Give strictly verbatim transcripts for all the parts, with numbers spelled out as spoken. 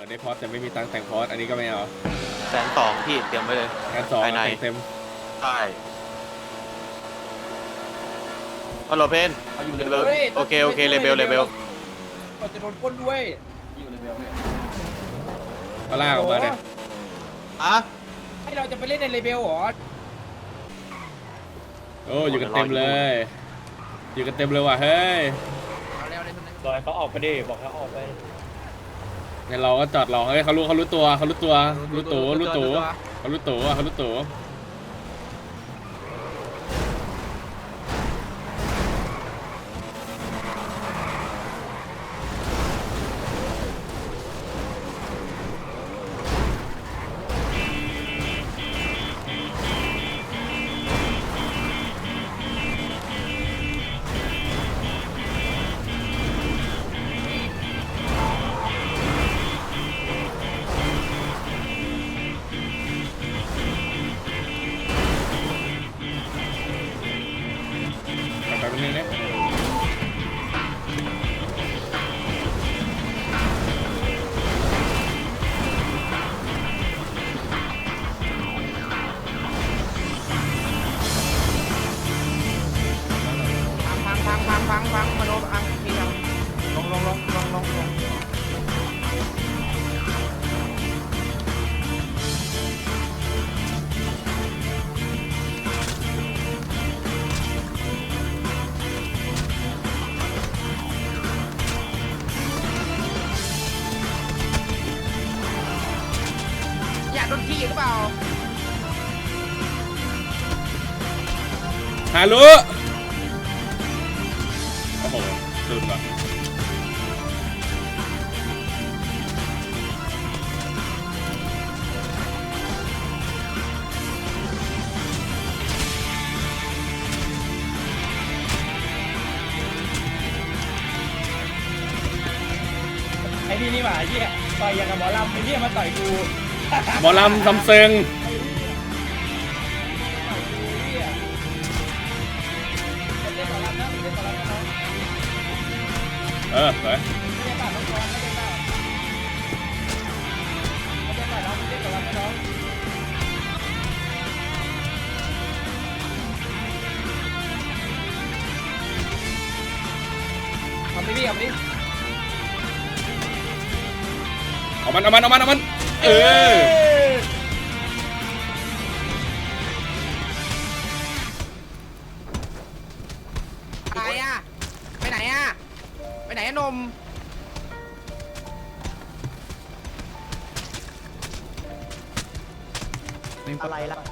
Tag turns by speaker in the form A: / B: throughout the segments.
A: ได้พอสแต่ไม่มีตังค์แต่งพอสอันนี้ก็ไม่เอา
B: แสนสองพี่เตรียมไว้เลย
A: งานสองแต่งเต็ม
B: ใช่ฮัลโหลเพนอยู่เลเวลโอเคโอเคเลเวลเลเวล
C: เราจะโดนก้นด้วยอยู่เลเวลเนี่ย
A: ก็ลากออกมาเนี่ย
B: อะ
C: ให้เราจะไปเล่นในเลเวลหรอ
A: โอ้อยู่กันเต็มเลยอยู่กันเต็มเลยว่ะเฮ้ย
C: บอยเขาออกไปดิบอกเขาออกไป
A: เนี่ยเราก็จอดรอเฮ้ยเขารู้เขารู้ตัวเขารู้ตัวรู้ตัวรู้ตัวเขารู้ตัวเขารู้ตัวแบบนี้เนี่ย
C: พังพังพังพังพังมาโดนอังทีลงลงลงลงลงลงลงโดนที่หรือเปล่า
A: ฮารุโอ้โหลืมละ
C: ไอ้นี่นี่หว่าไอ้เหี้ยต่อยอย่างกับหมอลำไอ้เหี้ยมาต่อยกู
A: หมอลำซัมเซิงเออไป
C: เอาไปดิเอาไปดิ
A: เอามันเอามันเอามันเอามันเออ
C: อะไรอ่ะไปไหนอ่ะไปไหนอะนมอะไรล่ะ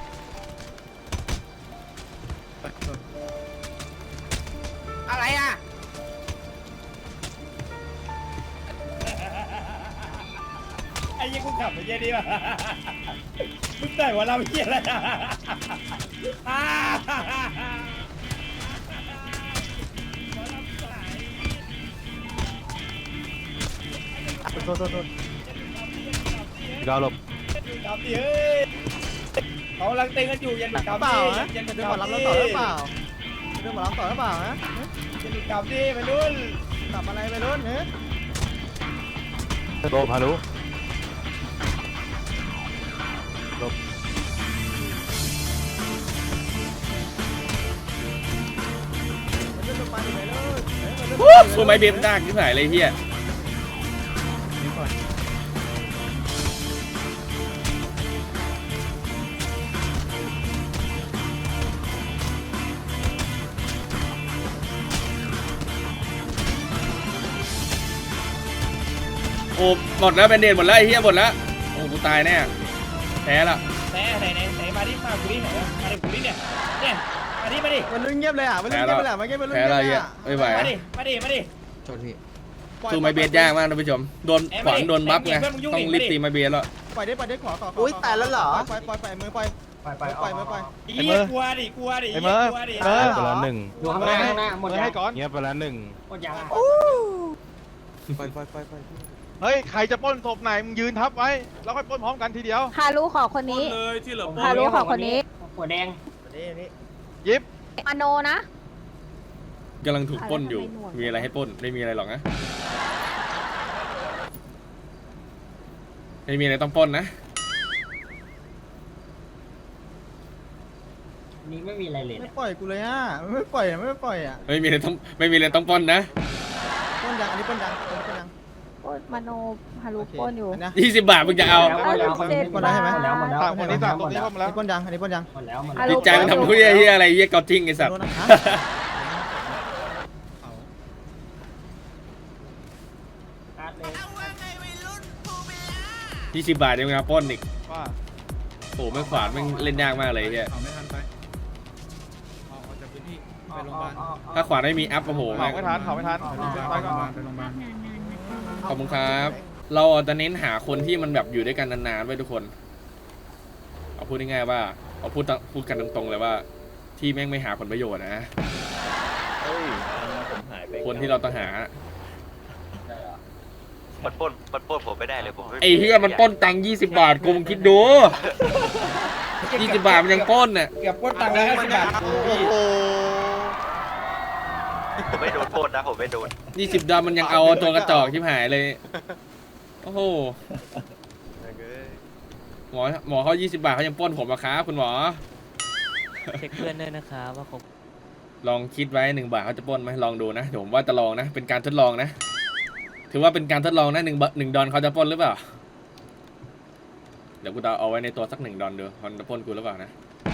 C: อะไรอ่ะไอ้ยี่กูขับไปเยี่ยดีป่ะมึงใส่หัวเราเยี่ยอะไรโทษโทษโทษ
B: ดาวหลบ
C: กำดิเฮ้ยเขากำลังเต้นกันอยู่ยันกำดิยันเรื่องหมอลำเราต่อหรือเปล่าเรื่องหมอลำต่อหรือเปล่าฮะยันกำดิไปรุ่นกลับอะไรไปรุ่นเฮ้ย
B: โดพารุหลบ
A: สู้ไม่เบียดดักที่ไหนเลยเฮียโอ้หมดแล้วเป็นเดนหมดแล้วไอ้เหี้ยหมดแล้วโอ้กูตายแน่แพ้ละ
C: แพ้ไหนไหนไหนมาดิมากูดิไหนมาดิกูดิเนี่ยเนี่ยมาดิมาดิมันเงียบเลยอ่ะมันเงียบเลยอ่ะมันเงียบเลย
A: แพ้ละเหี้ยไม่ไหว
C: มาดิมาดิมาดิ
B: โทษพี่
A: สู้ไม่เบียดยากมากท่านผู้ชมโดนขวานโดนบัฟไงต้องรีบตีไม่เบียดแล้ว
C: ปล่อยได้ปล่อยได้ขวาขวา
D: อุ้ยแต่แล้วเหรอ
C: ปล่อยปล่อยปล่อยมือปล่อยปล่อยปล่อยปล่อยมือปล่อยไอ้เหี้ยกลัวดิกลัวดิ
B: ไอ้เมอร์เมอร์ไปแล้วหนึ่ง
D: อยู่ข้างหน้าข้างหน้าหมดยัง
B: ก่อนเงียบไปแล้วหนึ่ง
D: หมดยัง
B: ไปไปไปไป
E: เฮ้ยใครจะปล้นศพไหนมึงยืนทับไว้แล้วค่อยปล้นพร้อมกันทีเดียว
F: ฮารุขอคนนี้
C: เลยที่เหลือ
F: ฮารุขอคนนี้
D: หัวแดง
E: ยิบ
F: มโนนะ
A: กำลังถูกปล้นอยู่มีอะไรให้ปล้นไม่มีอะไรหรอกนะไม่มีอะไรต้องปล้นนะ
D: นี่ไม่มีอะไรเลย
C: ไม่ปล่อยกูเลยอ่ะไม่ปล่อยอ่ะไม่ปล่อยอ่ะ
A: ไม่มีอะไรต้องไม่มีอะไรต้องปล้นนะ
C: ป้นยังอันนี้ป้นยังอันนี้ป้นยัง
F: โอ้ยมโนฮารุ
C: โอเค
F: โอนอยู่
C: อันนี้
A: ยี่สิบบาทมึงจะเอา
D: หมดแล้วหมดแล้ว
F: เจ็ด
D: หมดแล้วหมดแล้วหมดแล้ว
E: สามคนนี้สามตรงนี้เข้ามา
C: อัน
E: แล้ว
C: นี้ป้นยังอันนี้ป้นยัง
D: หมดแล้วหมด
F: ฮั
D: แล้ว
F: ลโหล
A: จิตใจมันทำเหี้ยเหี้ยอะไรเหี้ยเกาจิ้งไอ้สัตว์
C: โดนนะฮะ
D: การ์ดเลย
A: ยี่สิบบาทยังมาปล้นอีก
E: ว่า
A: โอ้แม่งขวานแม่งเล่นยากมากเลยไอ้เหี้ย
C: เอาไม่ทันไปออกจากพื้นที่ไปโรงพยาบาล
A: ถ้าขวานไม่มีอัพโอ้โห
E: เผาไม่ทันเผาไม่ทันไปก่อน
C: ไปโรงพยาบาล
A: ขอบคุณครับ เราจะเน้นหาคนที่มันแบบอยู่ด้วยกันนานๆไว้ทุกคน เอาพูดง่ายๆว่าเอาพูดตพูดกันตรงๆเลยว่า ที่แม่งไม่หาผลประโยชน์นะ
G: เฮ้ยผมหายไป
A: คนที่เราต้องหา
B: มันปล้นมันปล้นผมไม่ได้เลยผมม่
A: ไอ้เหี้ยมันปล้นตังค์ยี่สิบบาทกูมึงคิดดูยี่สิบบาทมันยังปล้นน่ะ
C: เก็บป้นตังค์แล้วห้าสิบบาท
E: โอ้โห
B: ผมไม่โดนปล้นนะผมไม่โดน
A: ยี่สิบดอลมันยังเอาตัวกระจอกชิบหายเลย โอ้โห หมอหมอเขายี่สิบบาทเขายังปล้นผมอะครับคุณหมอ
H: เช็คเพื่อนด้วยนะครับว่าเขา
A: ลองคิดไว้หนึ่งบาทเขาจะปล้นไหมลองดูนะเดี๋ยวผมว่าจะลองนะ เป็นการทดลองนะ ถือว่าเป็นการทดลองนะหนึ่งหนึ่งดอลเขาจะปล้นหรือเปล่า เดี๋ยวกูจะเอาไว้ในตัวสักหนึ่งดอลดูเขาจะปล้นกูหรือเปล่านะ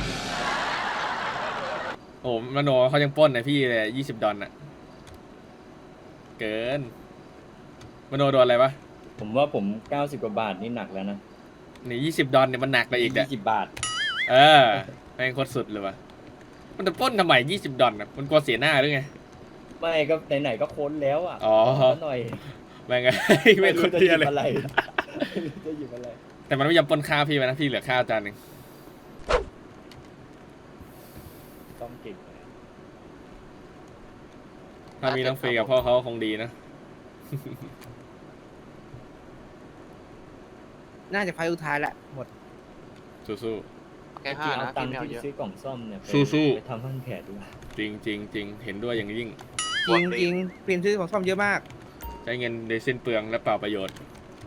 A: โอ้มโนเขายังปล้นนะพี่เลยยี่สิบดอลน่ะ เกิน มโนโดนอะไรปะ
G: ผมว่าผมเก้าสิบกว่าบาทนี่หนักแล้วนะ
A: นี่ยี่สิบดอลเนี่ยมันหนักไปอีกเนี่ย
G: ยี่สิบบาท
A: เออแม่งโคตรสุดเลยวะมันจะปล้นทำไมยี่สิบดอลน่ะมันกลัวเสียหน้าหรือไง
G: ไม่ก็ไหนๆก็ค้นแล้วอ่ะ
A: อ๋อ
G: ขหน่อย
A: แม่งไง แม่งโคตรเที่ยเลย
G: อะไรไม่รู้จะหยิบอะไร
A: แต่มันไม่ยอมปล้นข้าวพี่ไปนะพี่เหลือข้าวจานหนึ่ง
G: ต้องเก่ง
A: ถ้ามีน้องเฟย์กับพ่อเขาคงดีนะ
C: น่าจะไฟสุดท้ายแหละหมด
A: สู้
B: แค่
G: จ
B: ห้า
G: ริงๆ
B: นะ
G: เอาตัง
B: พี่
G: ค์
B: ไม่เอาเย
G: ที่
B: อะ
G: ซื้อกล่องซ่อมเนี่ยไป
A: สู้ๆ
G: ไปทำพันแผลดีกว่า
A: ๆจริงจริงจริงเห็นด้วยอย่างยิ่ง
C: จริงจริงเปลี่ยนชื่อของซ่อมเยอะมาก
A: ใช้เงินโดยสิ้นเปลืองและเปล่าประโยชน์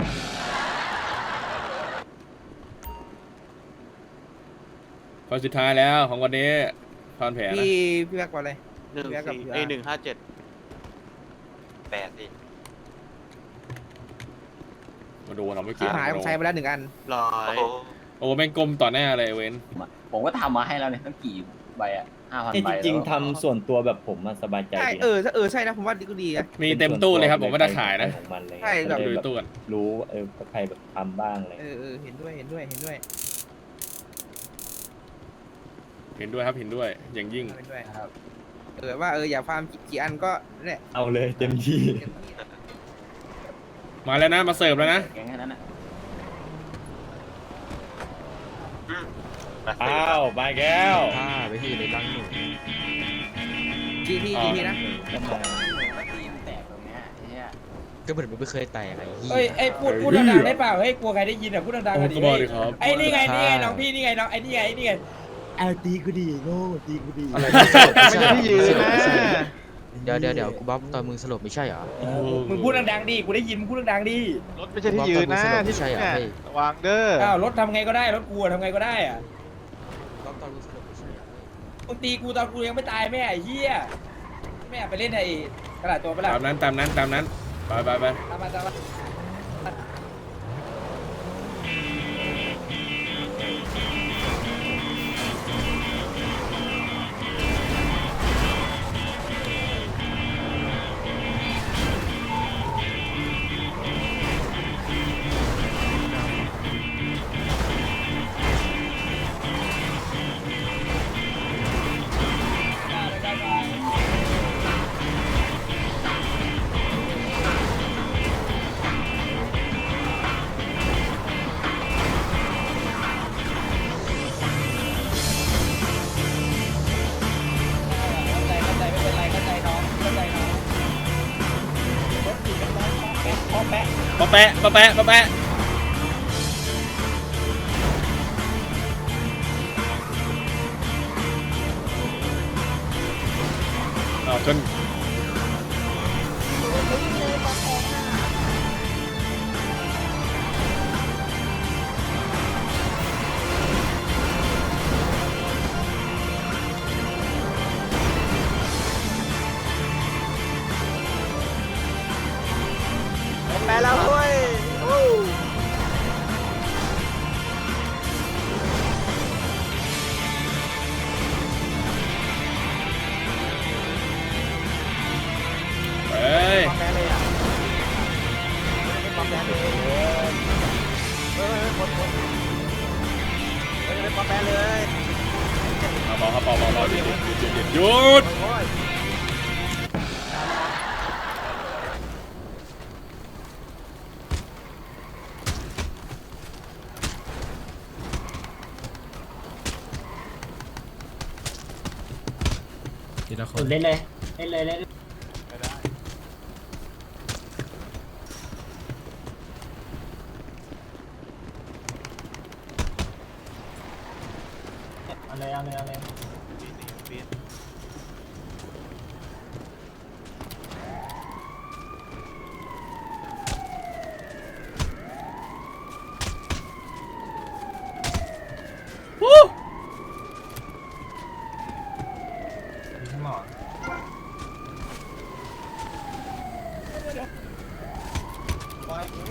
A: คนสุดท้ายแล้วของวันนี้พรแผลนะ
C: พี่พี่แม็กว่าอะไร
B: หนึ่ง
C: เบียร์กับ
B: สี่
C: เบียร์
B: เอ้ยหนึ่งห้าเจ็ดแปดสิ
A: มาดูเราไม่
C: ชิ
A: เกี่
C: บ
A: ยว
C: หายผมใช้ไปแล้วหนึ่งอัน
B: ร้อย
A: โอ้แม่งกลมต่อหน้าเลยเว้น
D: ผมก็ทำมาให้แล้วเนี่ยตั้งกี่ใบอ่ะห้าพัน
G: นี่
D: ใบ
G: จริงๆทำส่วนตัวแบบผมมาสบายใจ
C: ใช่
G: ดีนะ
C: เออเออใช่นะผมว่าดีก็ดีอะ
A: มีเต็มตู้เลยครับผมไม่ได้ขายนะ
G: ของมันเลย
C: ใช่แบบ
A: ดู
G: ก็เลย
A: ตู้กัน
G: รู้ว่าเออใครแบบทำบ้างอะไร
C: เออเออเห็นด้วยเห็นด้วยเห็นด้วย
A: เห็นด้วยครับเห็นด้วยอย่างยิ่ง
C: เห็นด้วยเออว่าเอออย่าฟาร์มกี่อันก็นั่นแหละ
G: เอาเลยเต็มที่
A: มาแล้วนะมาเสิร์ฟแล้วนะ
D: แค่นั้นนะ
G: อ้าวมาแก้ว
C: ทีทีทีทีนะ
G: ก็มา
D: ตีมแตกตรงเนี้ยเนี่ย
H: ก็เหมือนมึงไม่เคยแตกอะไรเหี้ย
C: เอ้ยไอ้พูดพูดดังๆได้เปล่าเฮ้ยกลัวใครได้ยินอ่ะพูดดังๆ
A: โอ้
C: กันดิ
A: ก็บอกดิครับ
C: ไอ้นี่ไงนี่ไงน้องพี่นี่ไงน้องไอ้นี่ไงไอ้นี่ไง
H: เอาตีกูดีโง่ตีกูดี
E: ไม่ใช่ที่ยืนนะ
H: เดี๋ยวเดี๋ยวเดี๋ยวกูบ๊อบตอนมึงสลบไม่ใช่เหรอ
C: มึงพูดดังๆดิกูได้ยินมึงพูดดังๆดิ
E: รถไม่ใช่ที่ยืนนะที่เนี่ยระวังเด้อ
C: อ้าวรถทำไงก็ได้รถกูอะทำไงก็ได้อะ
H: บ๊อบตอนมึงสลบไม่ใช่เหรอ
C: มึงตีกูตอนกูยังไม่ตายแม่ไอ้เหี้ยแม่ไปเล่นไอ้ตลาดตัวไปละ
A: ตามนั้นตามนั้นตามนั้นไปไปไป
C: ตามมาตามมา เข้าใจเข้าใจไม่เป็นไรเข้าใจน้องเข้าใจน้องรถติดกันน้องพอแปะ
A: ปะแปะปะแปะปะแปะอ้าวชน
F: เลยปอแทงอ่ะ
C: มาแปะเลย
A: เอาบอกครับบอกบอกบอกหยุดหยุดหยุดหยุดหยุด
C: โอ้ย
I: ทีละคน
D: เล่นเลยเล่นเลยเล่น เอาเลยเอาเลยเอาเลย
A: วู้
D: หมอ
C: ปล่อยกู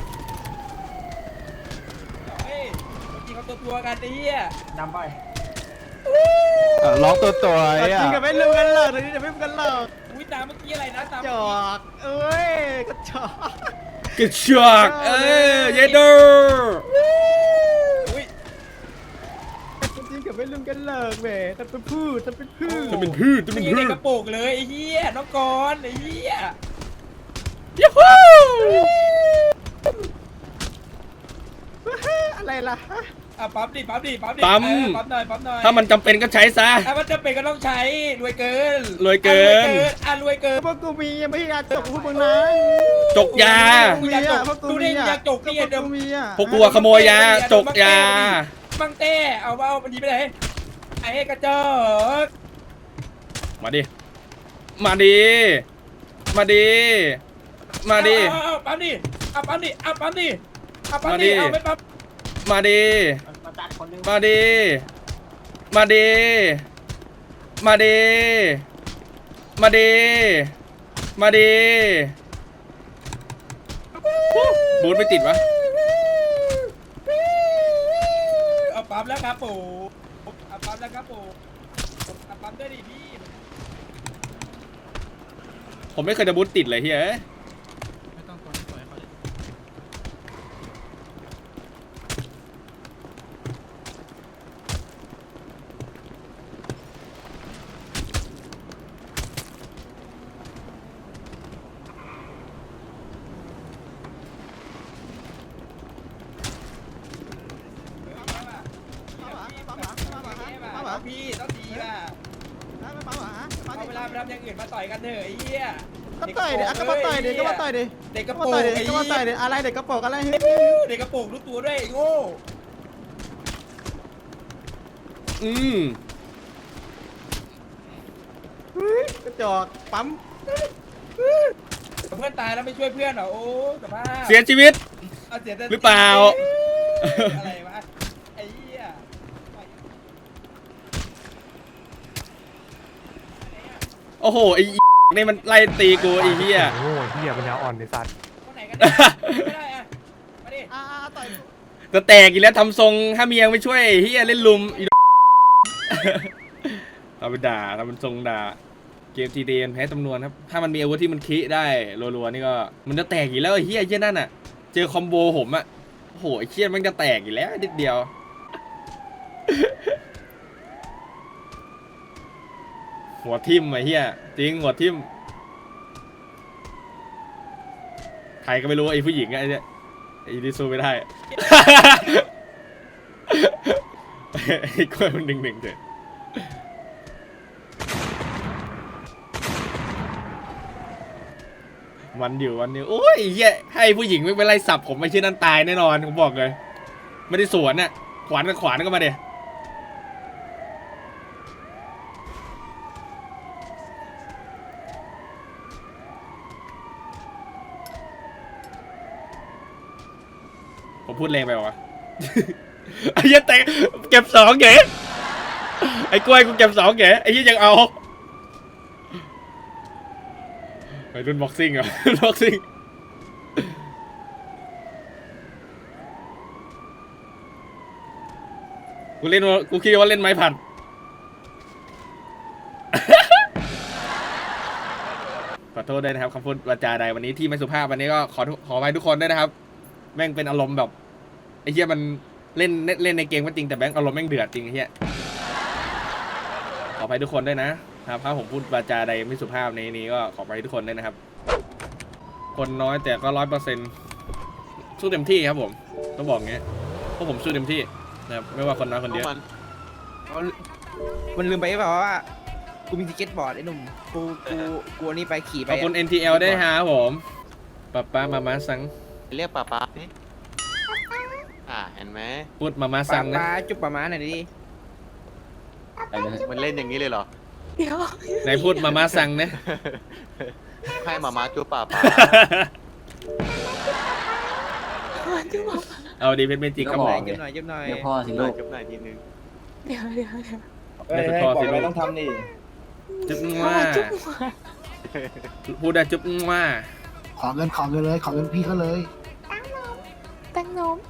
C: เฮ้ยเมื่อกี้เขาตัวตัวๆกันไอ้เหี้ย
D: นำไป
E: ล็อกตัวตัวไอ้
C: จริงกับไม่รู้กันหรอกตอนนี้จะไม่รู้กันหรอก
J: อุ้ยตามเมื่อกี้อะไรนะตาม
C: จอกเอ้ยกระจอก
A: กระชากเอ้ยเยเดอร์
J: อุ้ย
C: จริงกับไม่รู้กันหรอกแหมแต่เป็นพูดแต่เป็นพูด
A: จะเป็นพืชจะเป็น
J: มี
A: พื
J: ใน
A: ช
J: กระโปรงเลยไอ้เหี้ยน้องกรณ์ไอ้เหี้ย
A: ยูฮู
C: อะไรล่ะ
J: อ่ะปั๊มดิปั๊มดิปั๊มดิ
A: ปั๊ม
J: เออปั๊มหน่อยปั๊มหน่อย
A: ถ้ามันจำเป็นก็ใช้ซะ
J: ถ้ามันจะเป็นก็ต้องใช้รวยเกิน
A: รวยเกิน
J: อ่ะรวยเกิน
C: พวกกูมียังไม่อยากจกพวกมึงนะ
A: จกยา
C: กูมีอ่ะพวกกู
J: ดู
C: มี
J: ดิ
C: อ่ะ
J: อยากจกนี่
C: พวก
J: เดิม
C: กูมีอ่ะ
A: พวกกูอะขโมยยาจกยา
J: บังเต้เอาเอามันดีไปไหนไอ้กระจอก
A: มาดิ มาดิ มาดิ มาดิ
J: เอาเอาเอาปั๊มดิเอาปั๊มดิเอาปั๊มดิเอาปั๊ม
A: มาดิ
J: ดิเอาไม่ปั๊ม
A: มาดิ
D: มาตัดคนนึง
A: มาดิ มาดิ มาดิ มาดิ มาดิ บูทไม่ติดวะ
J: เอาปั๊มแล้วครับปู่เอาปั๊มแล้วครับปู่เอาปั๊มด้วยดิพี่
A: ผมไม่เคยจะบูทติดเลยเฮ้ย
I: ไม่ต้องกดปล่อยเขาเลย
J: พี่ต้องดีว่ะ
C: ไม่ปั๊มเหรอฮะ
J: เอาเวลาไปทำอย่างอื่นมาต่อยกันเถอะไอ้เหี้ย
C: ก็ต่อยเด็กก็มาต่อยเด็กก็มาต่อยเด็ก
J: เด็กก
C: ก็
J: ระ
C: มา
J: โปร
C: ต่อย
J: ง
C: เด็ก
J: ไอ้
C: ก็มาต่อยเด็กอะไรเด็กกระโปรงอะไรเฮ้ย
J: เด็กกระโปรงรู้ตัวด้วยไอ้โง่
A: อืม
C: กระจอกปั๊ม
J: เพื่อนตายแล้วไม่ช่วยเพื่อนเหรอโอ้สภาพ
A: เสียชีวิต
J: เอาเสียแต่
A: หรือเปล่า
J: อะไรวะไอ้เหี้ย
A: โอ้โห ไอ้นี่มันไล่ตีกูไอ้เหี้ย
J: คนไหนกันเนี่ยไม่ได้อะมาดิ
C: อ่าต่อย
A: จะแตกอีกแล้วทำทรงถ้าเมียไม่ช่วยไอ้เหี้ยเล่นลุมอี เราไปด่าทำเป็นทรงด่า เกมทีเดนแพ้จำนวนครับ ถ้ามันมีอาวุธที่มันคิได้รัวๆนี่ก็มันจะแตกอีกแล้วไอ้เหี้ยไอ้เหี้ยนั่นอ่ะ เจอคอมโบผมอ่ะโอ้โหไอ้เหี้ยมันจะแตกอีกแล้วนิดเดียว หัวทิ่มไอ้เหี้ยจริงหัวทิ่มใครก็ไม่รู้ไอ้ผู้หญิงอะไอ้เนี่ยไอ้ดิซูไม่ได้ ไอ้กล้วยมันหนึ่งหนึ่งเถอะวันอยู่วันนี้โอ้ยไอ้เหี้ยให้ผู้หญิงไม่เป็นไรสับผมไม่ใช่นั่นตายแน่นอนผมบอกเลย ไม่ได้สวนน่ะขวานกับขวานก็มาเดี๋ยผมพูดแรงไปวะ ไอ้เหี้ยแต่เก็บสองเก๋ไอ้กล้วยกูเก็บสองเก๋ไอ้เหี้ยยังเอาไปรุ่นบ็อกซิ่งเหรอ บ็อกซิ่งกูเล่นว่ากูคิดว่าเล่นไม้ผัด ขอโทษด้วยนะครับคำพูดวาจาใดวันนี้ที่ไม่สุภาพวันนี้ก็ขอขออภัยทุกคนด้วยนะครับ แม่งเป็นอารมณ์แบบไอ้เหี้ยมันเล่นเล่นเล่นในเกมก็จริงแต่แบงค์อารมณ์แม่งเดือดจริงไอ้เฮียขออภัยทุกคนด้วยนะครับถ้าผมพูดวาจาใดไม่สุภาพในนี้ก็ขออภัยทุกคนด้วยนะครับ คนน้อยแต่ก็ร้อยเปอร์เซ็นต์สู้เต็มที่ครับผมต้องบอกงี้เพราะผมสู้เต็มที่นะครับไม่ว่าคนน้อยคนเยอะ
B: มัน
C: มันลืมไปเปล่าว่ากูมีสเก็ตบอร์ดไอ้หนุ่มกูกูกูอันนี้ไปขี่ไป
A: ขอบคุณ เอ็น ที แอล ได้วยฮะผมป้าป้ามามาสัง
B: เรียกป้าป้าสิอ่าเห็นไหม
A: พูดมามา
C: ป
A: สั
C: ลาง ป
A: นะ
C: ลาจุ๊บปลาม้าหน่อยดิ
B: มันเล่นอย่างนี้เลยเหรอ
F: เดี๋ยว
A: ไหนพูดมามาสังนะ
B: ให้หมาม้าจูบป้าป้า
F: จุ๊บบอก
A: เอาดีเป็นเมจิกครับผม
C: จุ๊บหน่อยจุ๊บหน่อย
D: เดี๋ยวพ่อสิ
B: หน่
D: ลู
B: อย
D: ก
B: จูบหน่อยทีนึง
F: เดี๋ยวเดี๋ยวเดี๋ยว
C: เฮ้ยให้บอกอะไรต้องทำนี่
A: จุ๊บ
F: พ่อ
A: ว่า
F: จุ๊บหัว
A: พูดได้จุ๊บว่า
J: ขอเงินขอเงินเลยขอเงินพี่เขาเลย
F: ตั้งนม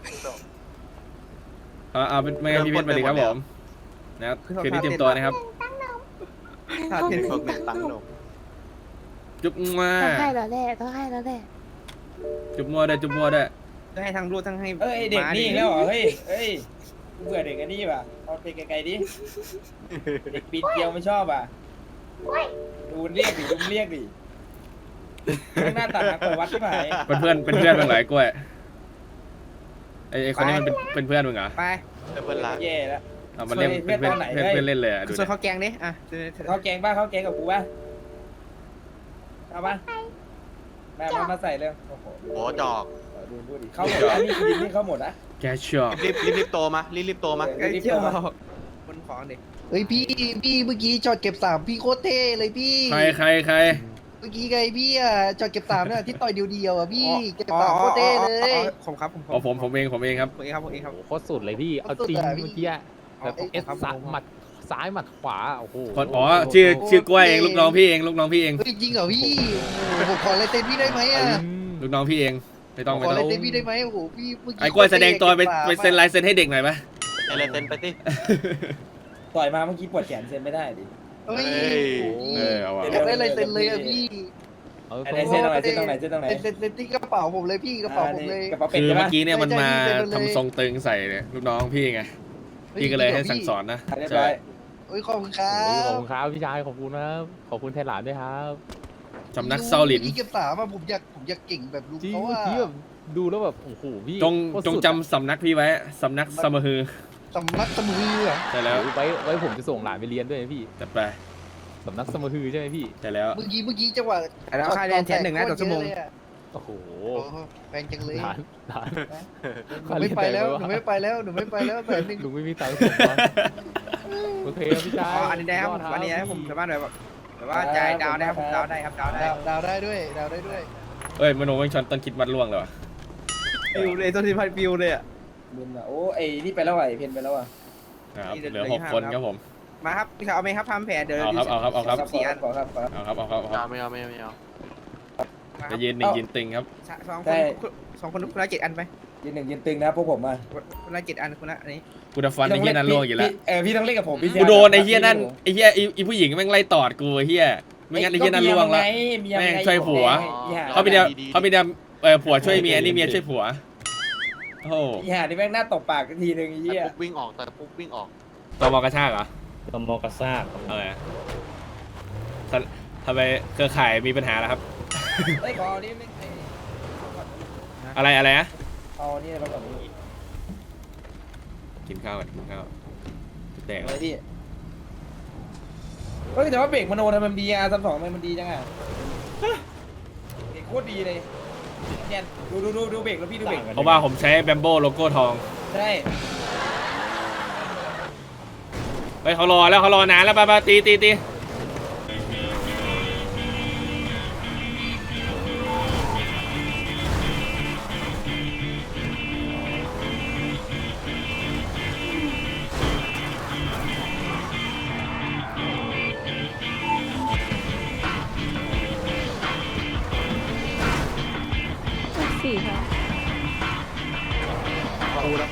A: เอาเอาเป็นไม่งั้นพี่เพชรมาดีครับผมนะครับคืนนี้เตรียมตัวนะครับ
C: ถ้าเป็น
B: พวกหนึ่งตังค์หนม
A: จุ๊บว่า
F: ต้องให้แล้วแหละต้องให้แล้วแหละ
A: จุ๊บมัวได้จุ๊บมัวได้
C: ต้องให้ทั้งรูดทั้งให้
J: เอ้ยเด็กนี่อีกแล้วเหรอเฮ้ยเฮ้ยเบื่อเด็กอันนี้ป่ะเอาไปไกลๆดิเด็กปีนเกลียวไม่ชอบอ่ะดูเรียกดิดูเรียกดิหน้าตาหนักกว่าวัดที่ไหน
A: เป็นเพื่อนเป็นเพื่อนมึงเหรอไอ้กล้วยไอ้ไอ้คนนี้มันเป็นเป็นเพื่อนมึงเหรอ
C: ไป
B: เพื่อนรัก
J: แย่แล้ว
A: เอามาเล่นเป็นเพื่อนเพื่อนเพื่อนเล่นเลยอ่ะดู
C: ส่วน
A: ดิ
C: ข้าวแกงดิอ่ะ
J: เขาแกงบ้าเขาแกงกับกูป่ะเอาป่ะแม่มามาใส่เลยโอ้โห
B: โอ้จอก
J: ดูพูดดิเข้าหมดอันนี้คือนี่เข้าหมดนะ
A: แกชอบ
B: รีบรีบรีบโตมารีบรีบโตมา
C: ไอ้เที่ยวคนของดิ
K: เฮ้ยพี่พี่เมื่อกี้จอดเก็บสามพี่โคตรเท่เลยพี่
A: ใครใครใคร
K: เมื่อกี้ไงพี่อ่ะจอดเก็บสามเนี่ยที่ต่อยเดียวๆอ่ะพี่เก็บสามโคตรเท่เลย
C: ผมครับผม
A: อ๋อผมผมเองผมเองครับ
C: ผมเองครับผมเองครับ
I: โคตรสุดเลยพี่ เอาจริง
K: สุดอะพี่
I: เมื่อกี้อะแบบ
K: เอา
I: เอสซ้ายหมัดซ้ายหมัดขวา โอ้โห
A: คนอ๋อชื่อชื่อกล้วยเองลูกน้องพี่เองลูกน้องพี่เอง
K: เฮ้ยจริงเหรอพี่โอ้โหผมขอลายเซ็นพี่ได้ไหมอ่ะ
A: ลูกน้องพี่เองไม่ต้อง
K: ข
A: ไม่
K: อ
A: ต้
K: ลา
A: อย ง
K: เซ็นพี่ได้ไหมโอ้โหพี่เมื่อกี้
A: ไอ้กล้วยแสดงตัวไปไปเซ็นลายเซ็นให้เด็กหน่อยปะ
B: อะไรเต้นไปสิ
J: ต่อยมาเมื่อกี้ปวดแขนเซ็นไม่ได้ดิ
K: เฮ้ย
A: เออเอาว่ะ
K: อยากได้ลายเซ็นเลยอ่ะพี่
I: เอา
J: ไอ้เซ็นตรงไหนเซ็นตรงไหนเซ็นตรงไหน
K: เซ็นเซ็นที่กระเป๋าผมเลยพี่กระเป๋าผมเลย
J: กระเป๋าเป็ด
A: คือ
J: ใช่
A: เมื่
J: ปะ
A: อกี้เนี่ยมันมา
K: ใช่ใช่
A: ทำทรงตึงใส่เนี่ยลูกน้องพี่ไงพี่ก็เลยให้สั่งสอนนะ
J: เรียบ
A: ใช่
J: ร้อย
K: เฮ้ยขอบคุณครั
I: โอ้ยขอบ
K: บ
I: คุณครับพี่ชาย ขอบคุณนะครับขอบคุณแทนหลานด้วยครับ
A: สำนักเซาหลิน
K: พี่เก็บสามอ่ะผมอยากผมอยากเก่งแบบลุง
I: จริง
K: เขา
I: เมื่อ
K: ว่า
I: กี้แบบดูแล้วแบบ โอ้โห พี่
A: จง
I: โคตร
A: จง
I: สุด
A: จำสำนักพี่ไว้สำนักสมฮือ
K: สำนักสมือเหรอ
A: ใช่แล้ว
I: โอ้ยไว้ไว้ผมจะส่งหลานไปเรียนด้วยนะพี่
A: จัดไป
I: สำนักสมฮือใช่ไหมพี่
A: ใช่แล้ว
K: เมื่อกี้เมื่อกี้จังหวะ
C: แล้วค่าเรียนแทนหนึ่งนะต่อชั่วโมง
I: โอ้โห
K: โอ้โหแพงจังเลย
I: หลานหลาน
K: หนูไม่ไปแล้วหนูไม่ไปแล้วหนูไม่ไปแล้วแสนหนึ่ง
I: ลุงไม่มีตังค์ส่งมาโอเคครับพี่ชาย
C: อ๋ออันนี้ได้ครับอันนี้ผมสามารถแบบแบบว่าจ่ายดาวได้ครับผมดาวได้ครับดาวได้
K: ดาวดาวได้ด้วยดาวได้ด้วย
A: เอ้ยมโนไม่ชอนต้นคิดมัดล่วงเลยวะ
C: ฟิวเลยต้นที่พันฟิวเลยอ่ะ
J: มึนอ่ะโอ้ไอ้นี่ไปแล้วไอ้เพนไปแล้วอ่ะ
A: ครับ
C: นี่
A: เห
C: เหลื
A: ลือ
C: อ
A: ห
C: อี
A: ก
C: กห้า
A: คน
C: ครับ
A: ครับผม
C: มาครับพี่ชายเอาไหมครับทำแผนเดี๋ยว
A: เอาครับเอาครับเอาครับ
C: สี่อัน
J: ขอครับขอครับ
A: เอาครับเอาครับเอาครับ
B: ไม่เอาไม่เอาไม่เอา
A: จะยืนหนึ่งยืนตึงครับ
C: สองคนสองคนคนละเจ็ดอันไป
J: ยืนหนึ่งยืนตึงนะพวกผมอ่ะ
C: คนละเจ็ดอันคนละอันนี้
A: กูจะฟันไอ้เหี้ยนั่นล่วงอยู่แล้ว
J: เออพี่ต้องเล่นกับผมพี่
A: กูโดนไอ้เหี้ยนั่นไอ้เหี้ยไอ้ไอ้ผู้หญิงแม่งไล่ตอดกูไอ้เหี้ยไม่งั้นไอ้เหี้ยนั่นล่วงละ แม่งช่วยผัว เขามีเดียวเขามีเดียวเออผัวช่วยเมียนี่เมียช่วยผัวโอ้โห
J: อีห่านี่แม่งหน้าตบปากทีนึงไอ้
B: แต่
J: เหี้ย
B: ปุ๊บวิ่งออกแต่ปุ๊บวิ่งออก
A: ตมกระชากเหรอ
G: ตมกระซากครับผม
A: เออทำทำไมเครือข่ายมีปัญหาแล้วครับ
J: เฮ้ยขอเอานี่ไม่ไอ้
A: อะไรอะไรนะ
J: เอานี่มาก่อน
A: กินข้าวก่อนกินข้าวจะแตก
J: อะไรพี่เฮ้ยแต่ว่าเบรกมโนทำไมมันดีอ่ะซัมสองทำไมมันดีจังอ่ะเบรกโคตรดีเลยเนี่ยดูดูดูดูเบรกแล้วพี่ดูเบรก
A: เพราะว่าผมใช้แบมโบโลโก้ทอง
J: ใช่
A: เฮ้ยเขารอแล้วเขารอนานแล้วไปไปตีตีตี
F: สี่ค่ะ
B: กูแล้ว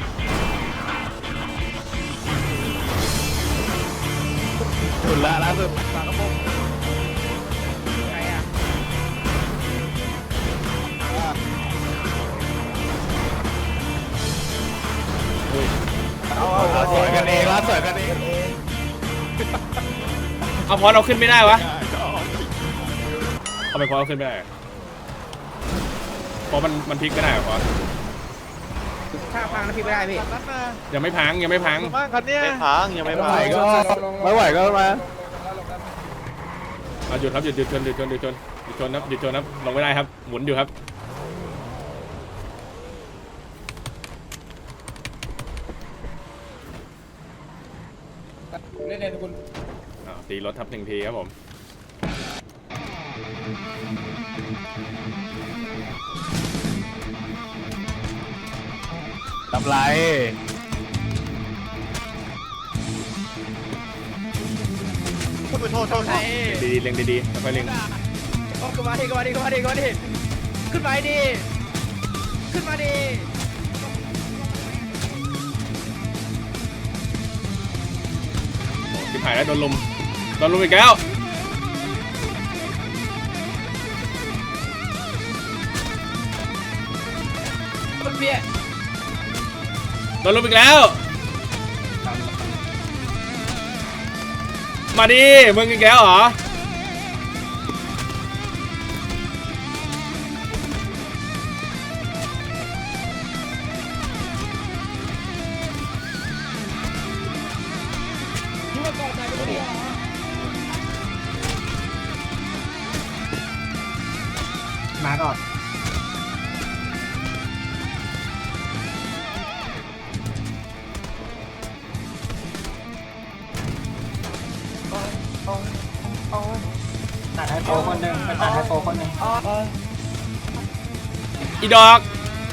I: สุดละล่าสุด
C: ฝากระโปรงใครอ่ะ
A: อุ้ย
I: สวยกันเอง
A: เอาพอเราขึ้นไม่ได้วะทำไมพอเราขึ้นไม่ได้เพราะมันมันพลิกไม่ได้เหรอพอ
C: ถ้าพังนะพี่ไม่ได้พี่
E: นัดมา
A: ยังไม่พังยังไม่พัง
E: บ้างคันเนี้ย
B: ไม่พังยังไม่พัง
I: ไม่ไหวก็มา
A: เอาหยุดครับหยุดหยุดชนหยุดชนหยุดชนหยุดชนครับหยุดชนครับลงไม่ได้ครับหมุนอยู่ครับ
J: เล่นเล่นคุณ
A: อ้าวตีรถทับหนึ่งทีครับผม
I: ทำไร
E: โทษโทษโทษ
A: ดีๆเล็งดีๆค่อยๆเล็ง
C: ขึ้นมาดิขึ้นมาดิขึ้นมาดิขึ้นมาดิขึ้นมาดิขึ้นมาดิ
A: ชิบหายแล้วโดนลุมโดนลุมอีกแล้วโดนลุมอีกแล้วมาดิมึงอีกแล้วเหรอ
D: มาก่อน ตัดไฮโฟคนหนึ่งไปตัดไฮโฟคนหนึ่ง
A: อีดอก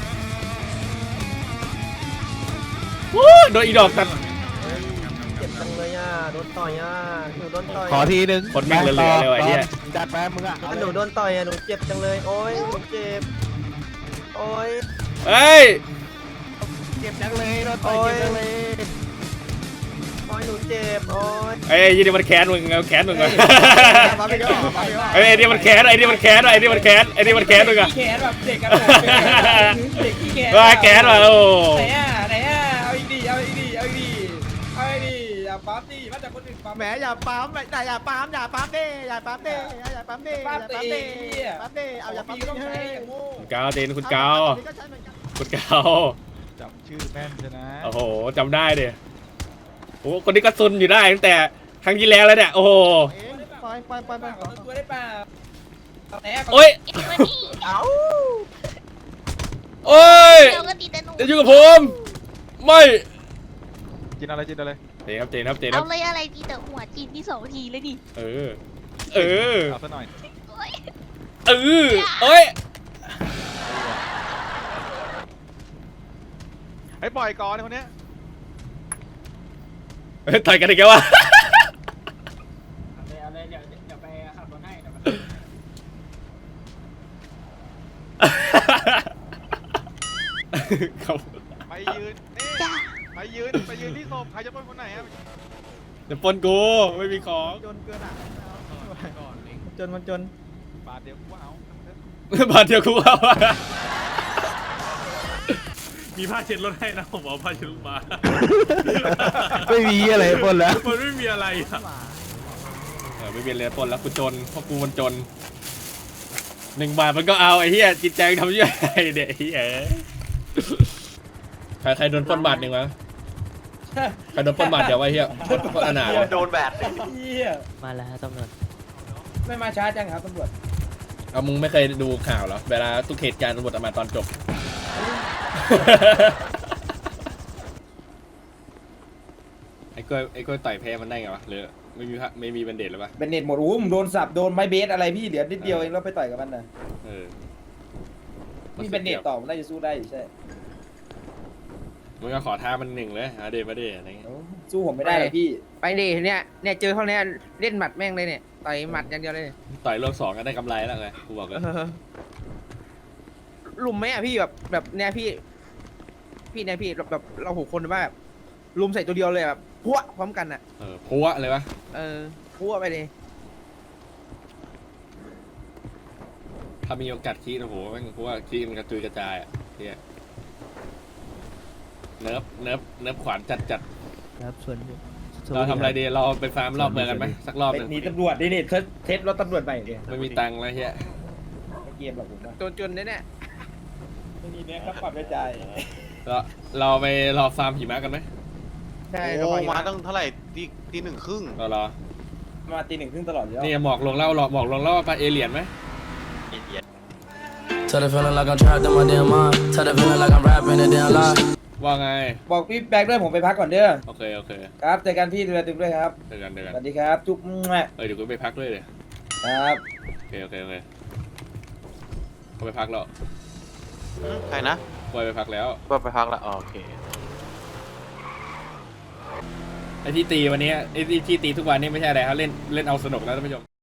A: วู้โดนอีดอกตัด
C: เจ็บจังเลยอ่ะโดนต่อยอ่ะหนูโดนต่อย
I: ขอทีนึง
A: คนแม่งเหลือๆเลยว่ะไอ้เหี้ย
I: จัดไปมึงอ่ะ
C: หนูโดนต่อยอ่ะหนูเจ็บจังเลยโอ้ยหนูเจ็บโอ้ย
A: เฮ้ย
I: เก็บจังเลยโดนต่อยเก็บจังเลย
C: โอ้ยหนูเจ็บโอ้ย
A: ไอ้ยี่นี่มันแค้นมึงเอาแค้นมึงก่อน
C: มาไปก่อนมาไปก่อน
A: ไอ้นี่มันแค้นไอ้นี่มันแค้นไอ้นี่มันแค้นไอ้นี่มันแค้นมึงอะ
J: แขนแบบเด็กกันเด็กขี้แขน
A: ว่าแค้นว่ะโอ้
J: ไหนอ่ะไหนอ่ะเอาอีกดีเอาอีกดีเอาอีกดีเอาอีกดีอย่าปั๊มดิมาจากคนอื่นปั๊ม
C: แหมอย่าปั๊มอย่าอย่าปั๊มอย่าปั๊มดิอย่าปั๊มดิอย่าปั๊มดิอย่าปั๊มดิอย่าปั๊มดิเอาอย่าปั๊มดิ
J: ต้อง
C: เฮ้
J: ใช้
C: ย
J: อย่างโง่
A: คุณกาวเตนคุณกาว
C: ก็ใช้เหมือนกัน
A: คุณกาว
E: จำชื่อแม่นใช่นะ
A: โอ้โหจำได้ดิโอ้คนนี้ก็ซุนอยู่ได้ตั้งแต่ครั้งที่แล้วแล้วเนี่ยโอ้โห
C: เองไปไปไปไป
J: ขอตัวได้เปล่าไหนอ่ะ
A: โอ้ย
C: เอา
A: โอ้ย
F: เราก็ตีแต่หนู
A: จะอยู่กับผมไม่
E: กินอะไรกินอะไร
A: เตนครับเตนครับเตนค
F: เอา
A: รับ
F: เลยอะไรตีแต่หัวจีนที่สองทีเลยดิ
A: เออเออ
E: เอาซะหน่อย
F: โอ๊ย
A: เออเอ้ย
E: ไอ้ปล่อยก่อนไอ้คนเนี้ย
A: เฮ้ยต่อยกันอีกแล้ววะ
D: เอาเลยเอาเลยเดี๋ยวเดี๋ยวไปขับรถให้เดี๋ยวไป
A: ครับ
E: ไปยืนนี่
F: จ้า
E: ไปยืนไปยืนที่ศพใครจะปล้นคนไหนอะ
A: เดี๋ยวปล้นกูไม่มีของ
C: จนเกินอ่ะจนมันจน
E: บาทเดียวกูว่าเอา
A: บาทเดียวกูเอา มีผ้าเช็ดรถให้นะผมเอาผ้าเช็ดรถมา
I: ไม่มีอะไรบนแล้ว
A: มันไม่มีอะไรอะเออไม่มีอะไรปล้นแล้วกูจนเพราะกูมันจนหนึ่งบาทมันก็เอาไอ้เหี้ยจิตใจทำยังไงเด็กไอ้เหี้ยใครใครโดนปล้นบาทหนึ่งวะใครโดนปล้นบาทเดี๋ยวไอ้เหี้ยปล้นปล้นอนาถเลย
B: โดนแบด
J: เฮีย
H: มาแล้วตำรวจ
J: ไม่มาช้าจังครับตำรวจ
A: เอามึงไม่เคยดูข่าวเหรอเวลาทุกเหตุการณ์ตำรวจมาตอนจบ ไอ้กล้วยไอ้กล้วยต่อยแพ้มันได้ไงวะหรือไม่มีพระไม่มีบันเดตหรือปะ
J: เป็นเน็ตหมดอู้มโดนสับโดนไม้เบสอะไรพี่เหลือนิดเดียวเองแล้วไปต่อยกับมันนะ
A: เออ
J: นี่เป็นเน็ตต่อมันน่าจะสู้ได้อยู่ใช่
A: มึงก็ขอท้ามันหนึ่งเลยอาเดมาเดอะไรเงี้ย
J: สู้ผมไม่ได้หรอกพี่
C: ไปดิเนี่ยเนี่ยเจอเขาเนี่ยเล่นหมัดแม่งเลยเนี่ยต่อยหมัดอย่างเดียวเลย
A: ต่อยรอบสองก็ได้กำไรแล้วไงกูบอกเลย
C: ลุมไหมอ่ะพี่แบบแบบเนี่ยพี่ พี่เนี่ยพี่แบบแบบเราหกคนว่าแบบลุมใส่ตัวเดียวเลยแบบพัวพร้อมกันอ่ะ
A: เออพัวเลยวะ
C: เออพัวไปเลย
A: ถ้ามีโอกาสคีดโอ้โหแม่งพัวคีดมันกระจุยกระจายอ่ะเฮียเนิร์ฟเนิร์ฟเนิร์ฟขวานจัดจัด
C: ครับส่วน
A: เราทำอะไรดีเราไปฟาร์มรอบเมืองกันไหมสักรอบหนึ่ง
J: หนีตำรวจดินี่เทสเทสรถตำรวจใหม่ดิ
A: ไม่มีตังค์แล้วเฮีย
J: ไม่เกมหรอกผมว่า
C: จนจนเนี่ยเนี่ย
J: ไม่มีเนี่ยครับปรับด้วยใจ
A: เราเราไปรอฟาร์มหิมะกันไหม
C: ใช่
B: โอ้มาตั้งเท่าไหร่ตีตีหนึ่งครึ่ง
A: เรารอ
J: มาตีหนึ่งครึ่งตลอดอยู่แล้ว
A: นี่หมอกลงเล่าหลอกหมอกลงเล่าปลาเอเลียนไหม
I: Tell the feeling like I'm trapped in my damn mind. Tell the feeling like I'm rapping a damn lie.
A: ว่าไง
J: บอกพี่แบกด้วยผมไปพักก่อนเด้อ
A: โอเคโอเค
J: ครับเจอกันพี่ดูแลตึกด้วยครับ
A: เจอกันเจอ
J: ส
A: กัน
J: วัสดีครับจุ๊บแม่
A: เออเดี๋ยวกูไปพักด้วยเลย
J: ครับ
A: โอเคโอเคโอเคเขาไปพักแล้ว
B: ใครนะ
A: ปล่อยไปพักแล้ว
B: ก็ไปพักละอ๋อโอเค
A: ไอ้ที่ตีวันนี้ไอ้ที่ที่ตีทุกวันนี้ไม่ใช่อะไรครับเล่นเล่นเอาสนุกแล้วท่านผู้ชม